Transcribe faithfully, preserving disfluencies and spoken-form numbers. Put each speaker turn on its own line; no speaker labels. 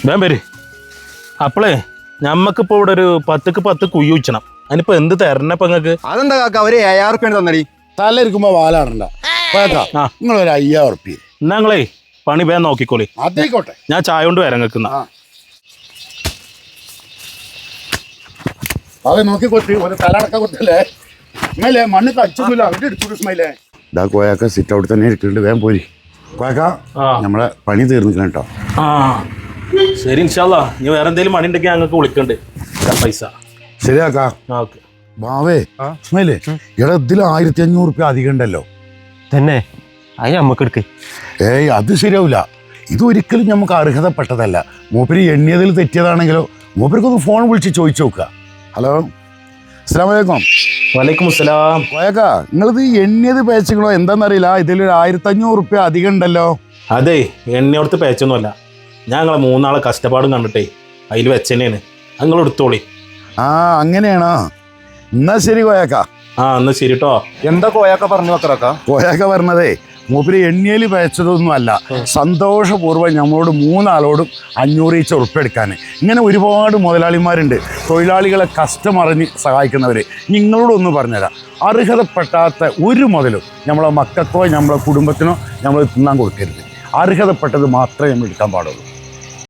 വേം പേര് അപ്പളേ ഞമ്മക്കിപ്പോ ഇവിടെ ഒരു പത്തുക്ക് പത്ത് കുയ്യു വെച്ചണം അതിനിപ്പോ എന്ത് തരണപ്പ നിങ്ങക്ക്?
അതെന്താ കാക്ക ഒരു ഏഴായിരം റുപ്യ തന്നടി.
തല ഇരിക്കുമ്പോ വാലാടണ്ട. നിങ്ങൾ ഒരു അയ്യായിരം ഉറുപ്പ്യ
എന്നാ നിങ്ങളേ പണി വേഗം നോക്കിക്കോളി.
അതേക്കോട്ടെ,
ഞാൻ ചായ കൊണ്ട് വരാൻ നിൽക്കുന്ന.
അത് നോക്കി കൊത്തി ഒരു തല അടക്കം കൊത്തല്ലേ സ്മൈലേ. മണ്ണ് കടിച്ചൊന്നുമില്ല, അവിടെ എടുത്തു സ്മൈലേ. ഇതാ കോയാക്ക സിറ്റ് ഔട്ട് തന്നെ ഇരിക്കുന്നുണ്ട്, വേഗം പോരി കോയാക്ക. നമ്മളെ പണി തീർന്നിക്കണം കേട്ടോ.
ആ ശരി, ഇൻഷാല്ലാ. ഇനി വേറെ എന്തെങ്കിലും പണി ഉണ്ടെങ്കിൽ ഞങ്ങൾക്ക് വിളിക്കണ്ട് പൈസ.
ശരിയാക്കാ.
ഓക്കെ
ബാവേ സ്മൈലേ, ഇവിടെ ഇതിൽ ആയിരത്തി അഞ്ഞൂറ് റുപ്യ അധികം ഉണ്ടല്ലോ.
തന്നെ അത് നമ്മക്ക് എടുക്ക്.
ഏയ് അത് ശരിയാവില്ല. ഇതൊരിക്കലും നമുക്ക് അർഹതപ്പെട്ടതല്ല. മൂപ്പര് എണ്ണിയതിൽ തെറ്റിയതാണെങ്കിലോ മൂപ്പർക്കൊന്ന് ഫോൺ വിളിച്ച് ചോദിച്ചു നോക്കുക. ഹലോ, അസ്സലാമു അലൈക്കും.
വലൈക്കും അസ്സലാം.
കോയക്ക, നിങ്ങളിത് എണ്ണിയത് പേച്ചങ്ങളോ എന്താണെന്നറിയില്ല, ഇതിലൊരു ആയിരത്തി അഞ്ഞൂറ് റുപ്യ അധികം ഉണ്ടല്ലോ.
അതെ, എണ്ണയോടത്ത് പേച്ചൊന്നുമല്ല. ഞാൻ നിങ്ങളെ മൂന്നാളെ കഷ്ടപ്പാടും കണ്ടിട്ടേ അതിൽ വെച്ചെന്നെയാണ്. നിങ്ങൾ എടുത്തോളി.
ആ അങ്ങനെയാണോ? എന്നാ ശരി കോയക്ക.
ആ എന്നാ ശരി കേട്ടോ.
എന്താ കോയാക്ക പറഞ്ഞു വെക്കറക്ക?
കോയക്ക പറഞ്ഞതേ മൂപ്പര് എണ്ണിയൽ പേച്ചതൊന്നും അല്ല, സന്തോഷപൂർവ്വം നമ്മളോട് മൂന്നാളോടും അഞ്ഞൂറ് ഈച്ച ഉറപ്പെടുക്കാൻ. ഇങ്ങനെ ഒരുപാട് മുതലാളിമാരുണ്ട്, തൊഴിലാളികളെ കഷ്ടമറിഞ്ഞ് സഹായിക്കുന്നവർ. നിങ്ങളോടൊന്ന് പറഞ്ഞുതരാം, അർഹതപ്പെട്ടാത്ത ഒരു മുതലും നമ്മളെ മക്കൾക്കോ നമ്മളെ കുടുംബത്തിനോ നമ്മൾ തിന്നാൻ കൊടുക്കരുത്. അർഹതപ്പെട്ടത് മാത്രമേ നമ്മൾ എടുക്കാൻ പാടുള്ളൂ.